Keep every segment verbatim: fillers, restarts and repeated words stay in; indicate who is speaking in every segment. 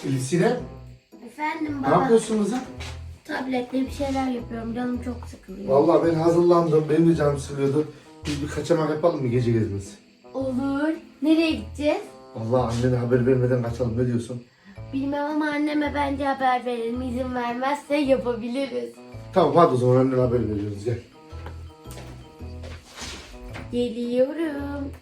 Speaker 1: Elif Sinem,
Speaker 2: Efendim
Speaker 1: ne
Speaker 2: baba.
Speaker 1: yapıyorsun kızım?
Speaker 2: Tabletle bir şeyler yapıyorum. Canım çok sıkılıyor.
Speaker 1: Vallahi ben hazırlandım. Benim de canım sıkılıyordu. Biz bir kaçamak yapalım mı gece gezmesi?
Speaker 2: Olur. Nereye gideceğiz?
Speaker 1: Vallahi annene haber vermeden kaçalım. Ne diyorsun?
Speaker 2: Bilmem ama anneme bence haber verelim. İzin vermezse yapabiliriz.
Speaker 1: Tamam hadi o zaman annene haber veriyoruz. Gel.
Speaker 2: Geliyorum.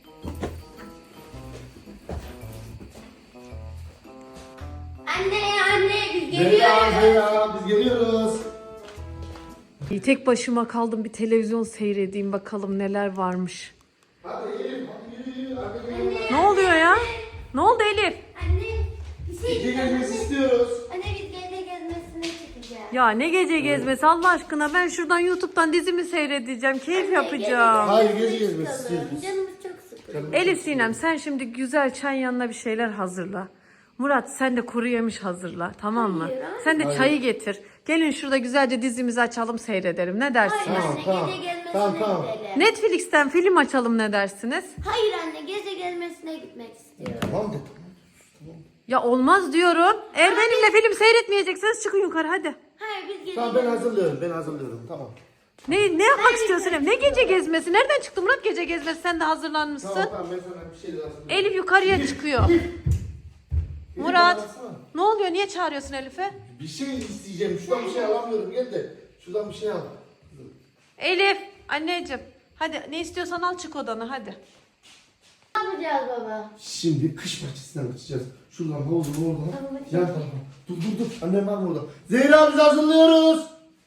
Speaker 2: Anne anne biz
Speaker 1: Zeyra,
Speaker 2: geliyoruz.
Speaker 1: Zeyra biz geliyoruz.
Speaker 3: İyi, tek başıma kaldım, bir televizyon seyredeyim bakalım neler varmış.
Speaker 1: Hadi Elif, hadi yürü yürü. Hadi yürü.
Speaker 3: Ne oluyor ya? Ne oldu Elif?
Speaker 2: Anne bir şey
Speaker 1: Gece
Speaker 2: diyeceğim.
Speaker 1: gezmesi
Speaker 2: Anne,
Speaker 1: istiyoruz.
Speaker 2: anne biz gece gezmesine çıkacağız.
Speaker 3: Ya ne gece gezmesi Allah aşkına, ben şuradan YouTube'dan dizimi seyredeceğim, keyif
Speaker 2: Anne,
Speaker 3: yapacağım.
Speaker 1: Hayır,
Speaker 2: gece
Speaker 1: gece gezmesi
Speaker 2: gezmesine
Speaker 1: istiyoruz.
Speaker 2: çıkalım. Canımız çok sıkılıyor.
Speaker 3: Elif Sinem, sen şimdi güzel çay yanına bir şeyler hazırla. Murat sen de kuru yemiş hazırla, tamam mı?
Speaker 2: Hayır, hayır.
Speaker 3: Sen de
Speaker 1: Hayır.
Speaker 3: çayı getir. Gelin şurada güzelce dizimizi açalım, seyredelim. Ne dersiniz?
Speaker 2: Hayır
Speaker 1: Tamam,
Speaker 2: anne
Speaker 1: tamam.
Speaker 2: gece gezmesine
Speaker 1: Tamam, tamam.
Speaker 2: gidelim.
Speaker 3: Netflix'ten film açalım, ne dersiniz?
Speaker 2: Hayır anne gece gezmesine gitmek istiyorum.
Speaker 1: Tamam de.
Speaker 3: Ya olmaz diyorum. Eğer benimle film seyretmeyecekseniz çıkın yukarı hadi.
Speaker 2: Hayır biz gece
Speaker 1: Tamam ben hazırlıyorum. Ben hazırlıyorum. Tamam.
Speaker 3: Ne ne yapmak istiyorsun Elif? Ne gece gezmesi? Nereden çıktı Murat gece gezmesi? Sen de hazırlanmışsın.
Speaker 1: Tamam tamam ben sana bir şey hazırlıyorum.
Speaker 3: Elif yukarıya çıkıyor. Murat, ne oluyor? Niye çağırıyorsun Elif'e?
Speaker 1: Bir şey isteyeceğim. Şuradan bir şey alamıyorum. Gel de şuradan bir şey al.
Speaker 3: Elif, anneciğim. Hadi ne istiyorsan al, çık odana hadi.
Speaker 2: Ne yapacağız baba?
Speaker 1: Şimdi kış bahçesinden kaçacağız. Şuradan havuzun oradan.
Speaker 2: Tamam, hadi.
Speaker 1: Yan tarafa. Dur dur dur. Annem var burada. Zehra biz hazırlıyoruz.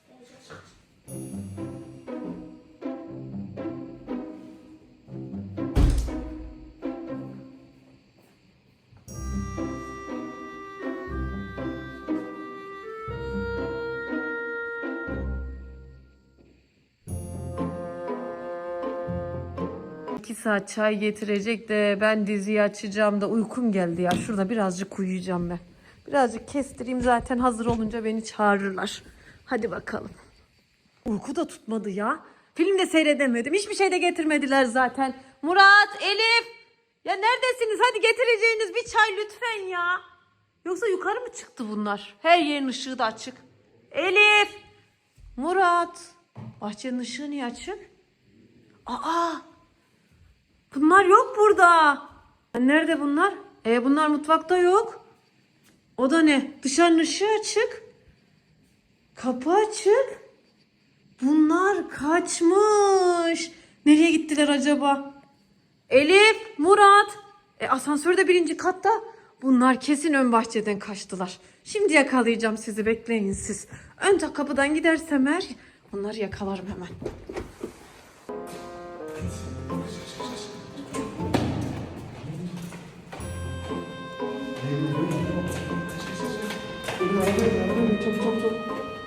Speaker 3: İki saat çay getirecek de ben diziyi açacağım da uykum geldi ya. Şurada birazcık uyuyacağım ben. Birazcık kestireyim, zaten hazır olunca beni çağırırlar. Hadi bakalım. Uyku da tutmadı ya. Film de seyredemedim. Hiçbir şey de getirmediler zaten. Murat, Elif. Ya neredesiniz? Hadi getireceğiniz bir çay lütfen ya. Yoksa yukarı mı çıktı bunlar? Her yerin ışığı da açık. Elif. Murat. Bahçenin ışığı niye açık? Aa. Bunlar yok burada. Nerede bunlar? E bunlar mutfakta yok. O da ne? Dışarının ışığı açık. Kapı açık. Bunlar kaçmış. Nereye gittiler acaba? Elif, Murat. E asansör de birinci katta. Bunlar kesin ön bahçeden kaçtılar. Şimdi yakalayacağım sizi, bekleyin siz. Ön kapıdan gidersem eğer onları yakalarım hemen.
Speaker 1: Çok çok çok.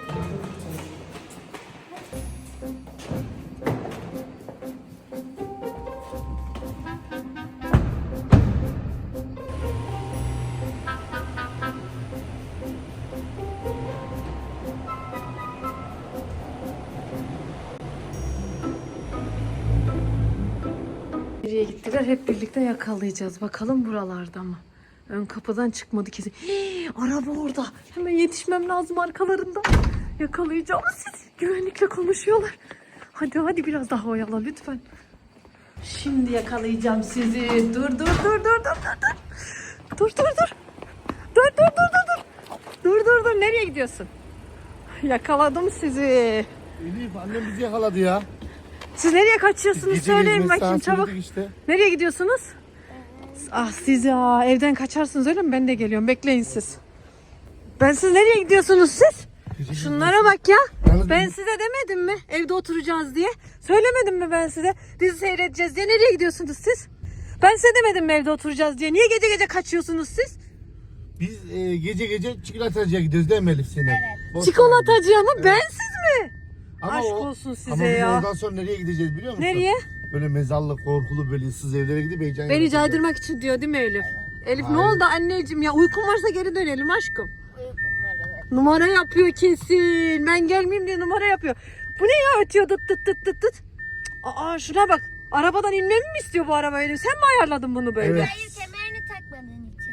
Speaker 3: Nereye gittiler? Hep birlikte yakalayacağız. Bakalım buralarda mı? Ön kapıdan çıkmadı kesin. Hii, araba orada. Hemen yetişmem lazım arkalarında. Yakalayacağım sizi. Güvenlikle konuşuyorlar. Hadi hadi biraz daha oyala lütfen. Şimdi yakalayacağım sizi. Dur dur dur dur dur dur dur. Dur dur dur. Dur dur dur dur dur. Dur dur dur. Nereye gidiyorsun? Yakaladım sizi.
Speaker 1: Elif annem bizi yakaladı ya.
Speaker 3: Siz nereye kaçıyorsunuz?
Speaker 1: Gece
Speaker 3: Söyleyin
Speaker 1: gezmesi
Speaker 3: bakayım
Speaker 1: sahasına
Speaker 3: çabuk.
Speaker 1: gittik işte.
Speaker 3: Nereye gidiyorsunuz? Ah siz ya, evden kaçarsınız öyle mi? Ben de geliyorum, bekleyin siz. Ben siz nereye gidiyorsunuz siz?
Speaker 1: Gece
Speaker 3: Şunlara bak ya.
Speaker 1: Yalnız
Speaker 3: Ben
Speaker 1: bu-
Speaker 3: size demedim mi evde oturacağız diye? Söylemedim mi ben size dizi seyredeceğiz diye? Nereye gidiyorsunuz siz? Ben size demedim mi evde oturacağız diye? Niye gece gece kaçıyorsunuz siz?
Speaker 1: Biz e, gece gece çikolatacıya gidiyoruz değil mi Elif Sinem? Boş ver.
Speaker 3: Çikolatacıya mı? Bensiz mi?
Speaker 1: Ama
Speaker 3: Aşk
Speaker 1: o-
Speaker 3: olsun size
Speaker 1: ama biz
Speaker 3: ya.
Speaker 1: oradan sonra nereye gideceğiz biliyor musun?
Speaker 3: Nereye?
Speaker 1: Böyle mezarlık, korkulu, böyle ıssız evlere gidip heyecan
Speaker 3: Beni
Speaker 1: yapacağız.
Speaker 3: caydırmak için diyor değil mi Elif? Elif ne
Speaker 1: Hayır.
Speaker 3: oldu anneciğim ya? Uykun varsa geri dönelim aşkım.
Speaker 2: Uykum var evet.
Speaker 3: Numara yapıyor kesin. Ben gelmeyeyim diye numara yapıyor. Bu ne ya, ötüyor dıt dıt dıt dıt dıt. Cık, Aa şuna bak. Arabadan inmemi mi istiyor bu araba Elif? Sen mi ayarladın bunu böyle?
Speaker 1: Evet.
Speaker 2: Hayır kemerini takmadığın için.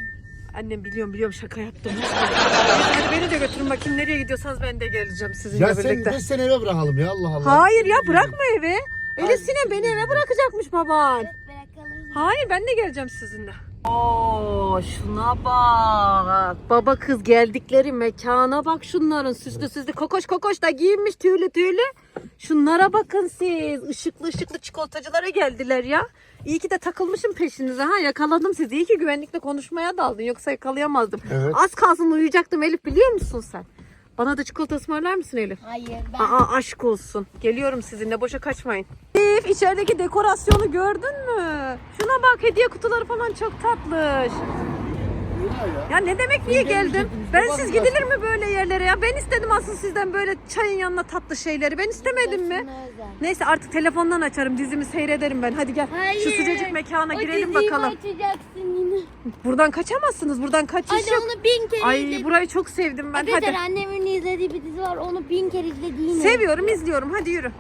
Speaker 3: Annem biliyorum biliyorum şaka yaptım. Neyse, hadi beni de götürün bakayım nereye gidiyorsanız ben de geleceğim sizinle
Speaker 1: Ya sen,
Speaker 3: birlikte.
Speaker 1: biz seni eve bırakalım ya Allah Allah.
Speaker 3: Hayır ya bırakma eve. Elif Sinem beni eve bırakacakmış baban.
Speaker 2: Bırakalım.
Speaker 3: Hayır ben de geleceğim sizinle. Oo şuna bak. Baba kız geldikleri mekana bak şunların süslü süslü kokoş kokoş da giyinmiş tüylü tüylü. Şunlara bakın siz. Işıklı ışıklı çikolatacılara geldiler ya. İyi ki de takılmışım peşinize ha yakaladım sizi. İyi ki güvenlikle konuşmaya daldın yoksa yakalayamazdım.
Speaker 1: Evet.
Speaker 3: Az kalsın uyuyacaktım Elif biliyor musun sen? Bana da çikolata ısmarlar mısın Elif?
Speaker 2: Hayır ben.
Speaker 3: Aa aşk olsun. Geliyorum sizinle boşa kaçmayın. Elif içerideki dekorasyonu gördün mü? Şuna bak hediye kutuları falan çok tatlış. Ya ne demek niye geldim? Ben siz gidilir mi böyle yerlere ya? Ben istedim aslında sizden böyle çayın yanına tatlı şeyleri. Ben istemedim mi?
Speaker 2: Özel.
Speaker 3: Neyse artık telefondan açarım dizimi seyrederim ben. Hadi gel
Speaker 2: Hayır.
Speaker 3: şu sıcacık mekana
Speaker 2: O
Speaker 3: girelim
Speaker 2: diziyi
Speaker 3: bakalım.
Speaker 2: açacaksın yine.
Speaker 3: Buradan kaçamazsınız. Buradan kaçış
Speaker 2: Hadi
Speaker 3: yok.
Speaker 2: onu bin kere
Speaker 3: Ay
Speaker 2: izle.
Speaker 3: burayı çok sevdim ben.
Speaker 2: Arkadaşlar
Speaker 3: Hadi.
Speaker 2: annemin izlediği bir dizi var. Onu bin kere izledi yine.
Speaker 3: Seviyorum, izliyorum. Hadi yürü.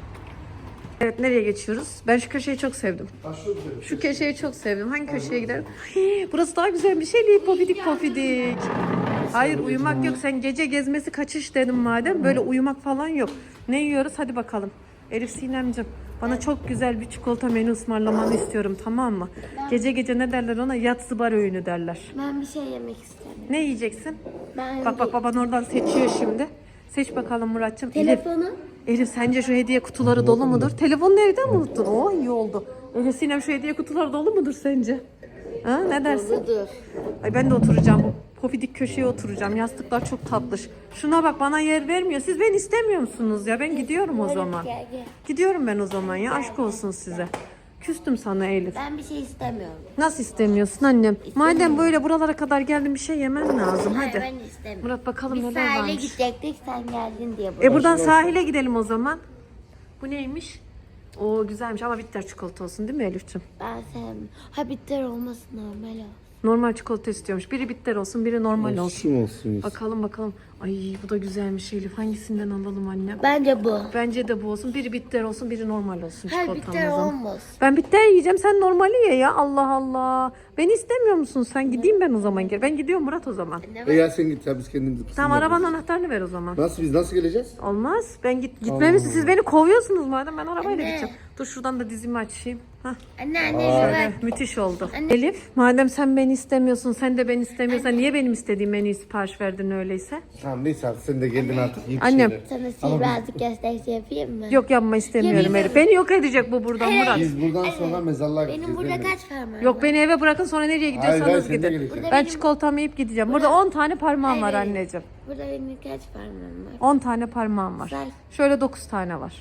Speaker 3: Evet, nereye geçiyoruz? Ben şu köşeyi çok sevdim. Şu köşeyi çok sevdim. Hangi köşeye gidelim? Hii, burası daha güzel bir şey değil. Pofidik pofidik. Hayır, uyumak yok. Sen gece gezmesi kaçış dedim madem. Böyle uyumak falan yok. Ne yiyoruz? Hadi bakalım. Elif Sinemciğim, bana çok güzel bir çikolata menü ısmarlamanı istiyorum, tamam mı? Gece gece ne derler ona? Yatsı bar öğünü derler.
Speaker 2: Ben bir şey yemek istemiyorum.
Speaker 3: Ne yiyeceksin?
Speaker 2: Ben
Speaker 3: Bak bak baban oradan seçiyor şimdi. Seç bakalım Muratcığım. Elif,
Speaker 2: telefonu.
Speaker 3: Elif sence şu hediye kutuları dolu mudur? Telefonunu evde mi unuttun? Oo iyi oldu. Elif Sinem şu hediye kutuları dolu mudur sence? Ha, ne dersin?
Speaker 2: Dur.
Speaker 3: Ay ben de oturacağım. Bu pofidik köşeye oturacağım. Yastıklar çok tatlış. Şuna bak bana yer vermiyor. Siz beni istemiyor musunuz ya? Ben gidiyorum o zaman.
Speaker 2: Gel gel.
Speaker 3: Gidiyorum ben o zaman ya. Aşk olsun size. Küstüm sana Elif.
Speaker 2: Ben bir şey istemiyorum.
Speaker 3: Nasıl istemiyorsun annem? Madem böyle buralara kadar geldin bir şey yemen lazım.
Speaker 2: Hayır
Speaker 3: Hadi.
Speaker 2: ben istemiyorum.
Speaker 3: Murat bakalım
Speaker 2: Biz
Speaker 3: neler
Speaker 2: sahile
Speaker 3: varmış.
Speaker 2: gidecektik sen geldin diye. buraya.
Speaker 3: E buradan sahile gidelim o zaman. Bu neymiş? O güzelmiş ama bitter çikolata olsun değil mi Elif'ciğim?
Speaker 2: Ben sevmiyorum. Ha bitter olmasın normal olsun.
Speaker 3: Normal çikolata istiyormuş. Biri bitter olsun, biri normal olsun.
Speaker 1: Olsun olsun.
Speaker 3: Bakalım bakalım. Ay bu da güzelmiş Elif. Hangisinden alalım annem?
Speaker 2: Bence bu.
Speaker 3: Bence de bu olsun. Biri bitter olsun, biri normal olsun
Speaker 2: Hayır
Speaker 3: çikolatam
Speaker 2: bitter
Speaker 3: o zaman.
Speaker 2: olmasın.
Speaker 3: Ben bitter yiyeceğim. Sen normali ye ya. Allah Allah. Beni istemiyor musun sen? Gideyim ben o zaman geri. Ben gidiyorum Murat o zaman.
Speaker 1: E ya sen git ya biz kendimiz kısım
Speaker 3: Tamam
Speaker 1: yaparız.
Speaker 3: arabanın anahtarını ver o zaman.
Speaker 1: Nasıl biz nasıl geleceğiz?
Speaker 3: Olmaz. Ben git gitmemişsin. Siz beni kovuyorsunuz madem ben arabayla
Speaker 2: Anne.
Speaker 3: gideceğim. Dur şuradan da dizimi açayım. Hah.
Speaker 2: Anne anne
Speaker 3: Şöyle
Speaker 2: bak.
Speaker 3: müthiş oldu.
Speaker 2: Anne.
Speaker 3: Elif madem sen beni istemiyorsun sen de beni istemiyorsan niye benim istediğim menüyü sipariş verdin öyleyse?
Speaker 1: Tamam neyse artık sen de geldin artık. Yiyip
Speaker 3: Annem.
Speaker 1: şeyler.
Speaker 2: Sana
Speaker 1: Ama
Speaker 2: sihirbazlık gösterisi yapayım mı?
Speaker 3: Yok yapma istemiyorum
Speaker 2: Yemin
Speaker 3: Elif. Beni yok edecek bu buradan Murat.
Speaker 1: Biz buradan sonra mezarlığa gideceğiz.
Speaker 2: Benim burada
Speaker 1: değil mi?
Speaker 2: kaç parmağım
Speaker 3: Yok
Speaker 2: var?
Speaker 3: beni eve bırakın sonra nereye
Speaker 1: Hayır,
Speaker 3: gidiyorsanız
Speaker 1: hayır, sen de
Speaker 3: gidin.
Speaker 1: geleceksin.
Speaker 3: Ben
Speaker 2: benim-
Speaker 3: çikolatamı yiyip gideceğim. Burada on tane parmağım var
Speaker 2: Hayır.
Speaker 3: anneciğim.
Speaker 2: Burada benim kaç parmağım var?
Speaker 3: on tane parmağım var.
Speaker 2: Say.
Speaker 3: Şöyle dokuz tane var.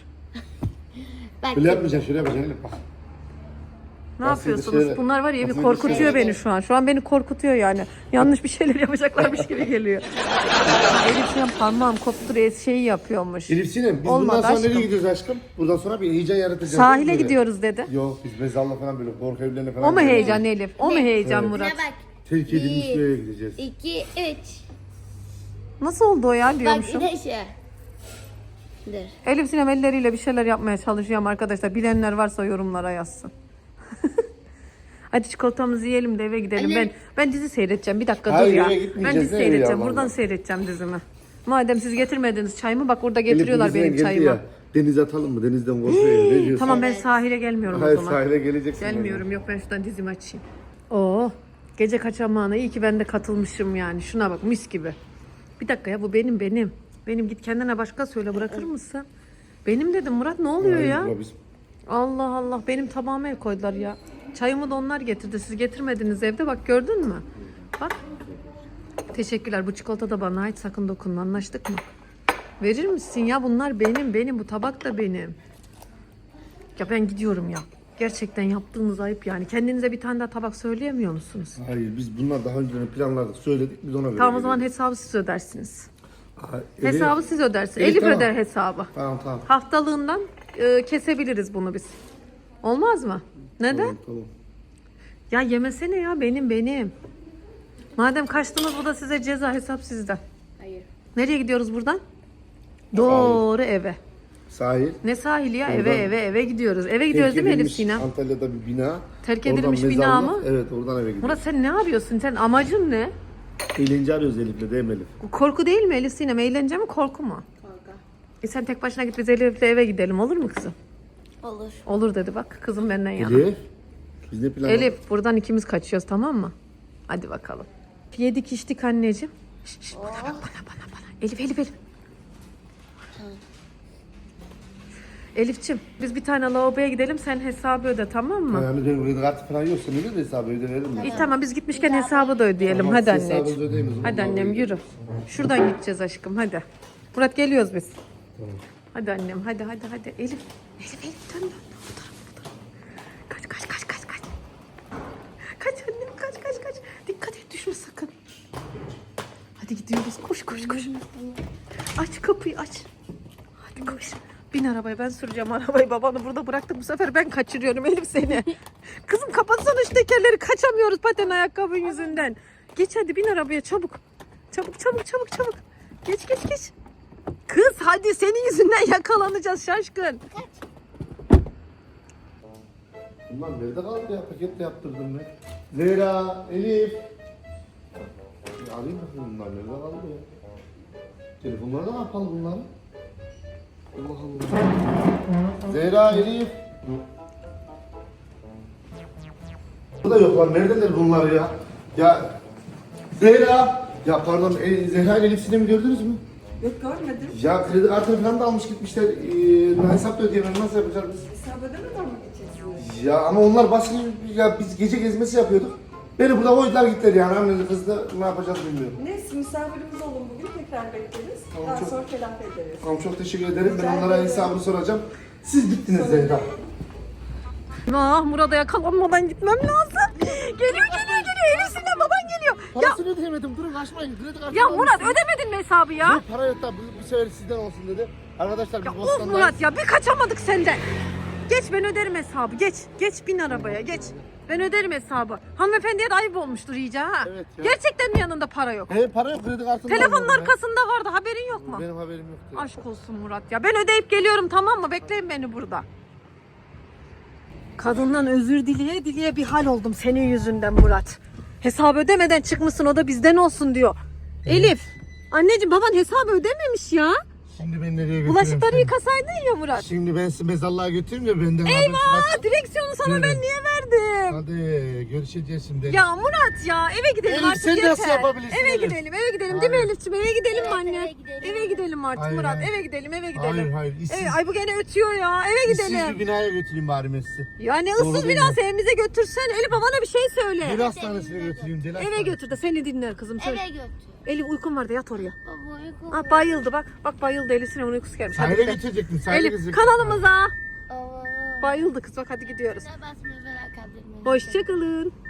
Speaker 2: Bak.
Speaker 1: Böyle yapmayacaksın şöyle yapacaksın Elif bak.
Speaker 3: Ne
Speaker 1: Nasıl
Speaker 3: yapıyorsunuz?
Speaker 1: şöyle-
Speaker 3: Bunlar var ya bir
Speaker 1: nasıl
Speaker 3: korkutuyor
Speaker 2: şöyle-
Speaker 3: beni şu an. Şu an beni korkutuyor yani. Yanlış bir şeyler yapacaklarmış gibi geliyor. Elif şu an parmağım koptu reis şeyi yapıyormuş.
Speaker 1: Elif Sinem biz
Speaker 3: Olmadı
Speaker 1: buradan sonra
Speaker 3: aşkım.
Speaker 1: nereye gidiyoruz aşkım? Buradan sonra bir heyecan yaratacağız.
Speaker 3: Sahile
Speaker 1: değil mi?
Speaker 3: gidiyoruz dedi.
Speaker 1: Yok biz mezarlığa falan böyle korku evlerine falan.
Speaker 3: O mu
Speaker 1: gidiyoruz.
Speaker 3: heyecan Elif? O mu heyecan
Speaker 2: Buna
Speaker 3: Murat?
Speaker 2: bak.
Speaker 1: Terk edilmiş
Speaker 2: Bir,
Speaker 1: bir yere gideceğiz.
Speaker 2: İki, üç.
Speaker 3: Nasıl oldu o ya
Speaker 2: Bak
Speaker 3: diyormuşum.
Speaker 2: bir de şu. Dur.
Speaker 3: Elif Sinem elleriyle bir şeyler yapmaya çalışıyorum arkadaşlar. Bilenler varsa yorumlara yazsın. Hadi çikolatamızı yiyelim de eve gidelim.
Speaker 2: Anne.
Speaker 3: Ben ben dizi seyredeceğim. Bir dakika
Speaker 1: Hayır,
Speaker 3: dur ya.
Speaker 1: eve
Speaker 3: Ben
Speaker 1: gitmeyeceğiz,
Speaker 3: dizi
Speaker 1: nereye
Speaker 3: seyredeceğim.
Speaker 1: ya
Speaker 3: Buradan
Speaker 1: vallahi?
Speaker 3: seyredeceğim dizimi. Madem siz getirmediniz çayımı bak orada
Speaker 1: Elif,
Speaker 3: getiriyorlar
Speaker 1: denizden
Speaker 3: benim
Speaker 1: geldi
Speaker 3: çayımı.
Speaker 1: ya, denize atalım mı? Denizden korkuyor ya. Ne diyorsun?
Speaker 3: Tamam ben sahile gelmiyorum
Speaker 1: Hayır
Speaker 3: o zaman.
Speaker 1: sahile geleceksin.
Speaker 3: Gelmiyorum yok ben şuradan dizimi açayım. Oo gece kaçamağına iyi ki ben de katılmışım yani. Şuna bak mis gibi. Bir dakika ya bu benim benim. Benim git kendine başka söyle bırakır mısın? Benim dedim Murat ne oluyor
Speaker 1: Hayır,
Speaker 3: ya?
Speaker 1: bu biz-
Speaker 3: Allah Allah benim tabağıma el koydular ya. Çayımı da onlar getirdi. Siz getirmediniz evde bak gördün mü? Bak. Teşekkürler bu çikolata da bana ait sakın dokunma anlaştık mı? Verir misin ya bunlar benim benim bu tabak da benim. Ya ben gidiyorum ya. Gerçekten yaptığınız ayıp yani. Kendinize bir tane daha tabak söyleyemiyor musunuz?
Speaker 1: Hayır biz bunlar daha önceden planladık söyledik biz ona göre.
Speaker 3: Tamam o zaman
Speaker 1: geliyoruz.
Speaker 3: hesabı siz ödersiniz.
Speaker 1: Ha, Elif-
Speaker 3: Hesabı siz ödersiniz.
Speaker 1: Evet,
Speaker 3: Elif
Speaker 1: tamam.
Speaker 3: öder hesabı.
Speaker 1: Tamam tamam.
Speaker 3: Haftalığından e, kesebiliriz bunu biz. Olmaz mı? Neden?
Speaker 1: Tamam, tamam.
Speaker 3: Ya yemesene ya benim benim. Madem kaçtınız bu da size ceza hesap sizden.
Speaker 2: Hayır.
Speaker 3: Nereye gidiyoruz buradan? Doğru eve.
Speaker 1: Sahil.
Speaker 3: Ne sahili ya?
Speaker 1: Oradan-
Speaker 3: Eve eve eve gidiyoruz. Eve gidiyoruz değil mi Elif
Speaker 1: edilmiş
Speaker 3: Sinem?
Speaker 1: Antalya'da bir bina.
Speaker 3: Terk
Speaker 1: Oradan
Speaker 3: edilmiş bina
Speaker 1: mezarlık.
Speaker 3: mı?
Speaker 1: Evet, oradan eve gidiyoruz.
Speaker 3: Murat sen ne yapıyorsun? Sen amacın ne?
Speaker 1: Eğlence arıyoruz Elif'le, değil mi Elif?
Speaker 3: Korku değil mi Elif Sinem? Eğlence mi korku mu?
Speaker 2: Korku.
Speaker 3: E sen tek başına git biz Elif'le eve gidelim olur mu kızım?
Speaker 2: Olur.
Speaker 3: Olur dedi bak kızım benden yana.
Speaker 1: Elif. Biz ne plan
Speaker 3: Elif buradan ikimiz kaçıyoruz tamam mı? Hadi bakalım. Yedik içtik anneciğim. Şş, şş, bana bak bana bana bana. Elif Elif Elif. Elif'ciğim biz bir tane lavaboya gidelim sen hesabı öde tamam mı?
Speaker 1: Yani benim kredi kartı falan yoksa öyle de hesabı ödeyelim mi?
Speaker 3: İyi tamam biz gitmişken hesabı da ödeyelim
Speaker 1: Tamam,
Speaker 3: hadi
Speaker 1: siz hesabınızı
Speaker 3: anneciğim.
Speaker 1: ödeyin o zaman.
Speaker 3: Hadi annem yürü. Şuradan gideceğiz aşkım hadi. Murat geliyoruz biz.
Speaker 1: Tamam.
Speaker 3: Hadi annem hadi hadi hadi. Elif. Elif Elif dön dön. Bu tarafa bu tarafa. Kaç kaç kaç kaç kaç. Kaç annem kaç kaç kaç. Dikkat et düşme sakın. Hadi gidiyoruz koş koş koş. Aç kapıyı aç. Hadi koş. Bin arabaya ben süreceğim arabayı babanı burada bıraktım bu sefer ben kaçırıyorum Elif seni. Kızım kapatsana şu tekerleri kaçamıyoruz paten ayakkabın yüzünden. Geç hadi bin arabaya çabuk. Çabuk çabuk çabuk çabuk. Geç geç geç. Kız hadi senin yüzünden yakalanacağız şaşkın.
Speaker 1: Bunlar nerede kaldı ya? Paketle yaptırdım ben. Zehra, Elif. Bir arayayım bakayım bunlar nerede kaldı ya? Telefonlarda ne yapalım bunları? Allah Allah. Zehra, Elif. Burada yok lan. Neredeler bunlar ya? Ya Zehra. Ya pardon, e, Zehra ile Elif Sinem'i gördünüz mü?
Speaker 4: Yok görmedim.
Speaker 1: Ya kredi kartını falan da almış gitmişler. Ee, hesap da ödeyemem. Nasıl yapacağız biz?
Speaker 4: Hesap ödemeden mi geçeceksiniz?
Speaker 1: Ya ama onlar baskı ya biz gece gezmesi yapıyorduk. Beni burada koydular gittiler yani anneli kızla ne yapacağız bilmiyorum.
Speaker 4: Neyse misafirimiz olun bugün tekrar bekleriz.
Speaker 1: Tamam,
Speaker 4: Daha
Speaker 1: çok-
Speaker 4: sonra telafi ederiz.
Speaker 1: Tamam çok teşekkür ederim.
Speaker 4: Rica
Speaker 1: Ben onlara
Speaker 4: ederim.
Speaker 1: hesabını soracağım. Siz bittiniz
Speaker 4: Sonra
Speaker 1: Zehra.
Speaker 3: Ah Murat'a yakalanmadan gitmem lazım. Geliyor geliyor geliyor Elif Sinem baban geliyor. Ya,
Speaker 1: Parasını ödeyemedim. Durun kaçmayın. Kredi kartı
Speaker 3: ya Murat ödemedin mi hesabı ya?
Speaker 1: Yok para yok da bu, bu sefer sizden olsun dedi. Arkadaşlar biz
Speaker 3: Ya of
Speaker 1: Bostan'dayız.
Speaker 3: Murat ya bir kaçamadık senden. Geç ben öderim hesabı geç. Geç bin arabaya geç. Ben öderim hesabı. Hanımefendiye de ayıp olmuştur iyice ha.
Speaker 1: Evet ya.
Speaker 3: Gerçekten mi yanında para yok?
Speaker 1: He para yok kredi kartını
Speaker 3: Telefonun
Speaker 1: almadım ben.
Speaker 3: arkasında vardı haberin yok mu?
Speaker 1: Benim haberim yoktu.
Speaker 3: Aşk olsun Murat ya. Ben ödeyip geliyorum tamam mı? Bekleyin beni burada. Kadından özür dileye dileye bir hal oldum senin yüzünden Murat. Hesabı ödemeden çıkmışsın o da bizden olsun diyor. Elif. Anneciğim baban hesabı ödememiş ya.
Speaker 1: Şimdi ben nereye götürüyorum
Speaker 3: Bulaşıkları
Speaker 1: seni?
Speaker 3: yıkasaydın ya Murat.
Speaker 1: Şimdi ben sizi mezarlığa götüreyim ya benden habersiz
Speaker 3: Eyvah
Speaker 1: kaç-
Speaker 3: direksiyonu sana
Speaker 1: Evet.
Speaker 3: ben niye verdim?
Speaker 1: Hadi görüşeceğiz şimdi.
Speaker 3: Ya Murat ya eve gidelim
Speaker 1: Elif,
Speaker 3: artık
Speaker 1: sen
Speaker 3: yeter.
Speaker 1: nasıl yapabilirsin
Speaker 3: Eve
Speaker 1: Elif?
Speaker 3: gidelim eve gidelim değil mi
Speaker 1: Hayır.
Speaker 3: Elif'ciğim eve gidelim mi
Speaker 2: Evet,
Speaker 3: anne?
Speaker 2: eve gidelim.
Speaker 3: Eve gidelim artık
Speaker 1: Hayır,
Speaker 3: Murat
Speaker 1: hayır.
Speaker 3: eve gidelim eve gidelim.
Speaker 1: Hayır hayır. İşsiz,
Speaker 3: Evet, ay bu gene ötüyor ya eve
Speaker 1: işsiz bir
Speaker 3: gidelim.
Speaker 1: binaya götüreyim bari ben sizi.
Speaker 3: Ya ne
Speaker 1: Doğru
Speaker 3: ıssız
Speaker 1: değil
Speaker 3: biraz
Speaker 1: mi?
Speaker 3: evimize götürsen. Elif babana bir şey söyle.
Speaker 1: Deli hastanesine götüreyim. Deli
Speaker 3: Eve
Speaker 1: hastanesine.
Speaker 3: götür de seni dinler kızım söyle.
Speaker 2: Eve götür.
Speaker 3: Elif uykun var da yat oraya.
Speaker 2: Baba uykum.
Speaker 3: Ah bayıldı bak. Bak bayıldı Elif Sinem'in uykusu gelmiş. Hadi
Speaker 1: Sahile
Speaker 3: gidelim.
Speaker 1: götürecektim. Sahile
Speaker 3: Elif
Speaker 1: gidecektim.
Speaker 3: kanalımıza.
Speaker 2: Baba.
Speaker 3: Bayıldı kız bak hadi gidiyoruz.
Speaker 2: Basmayı bırakabilir miyim?
Speaker 3: Hoşçakalın.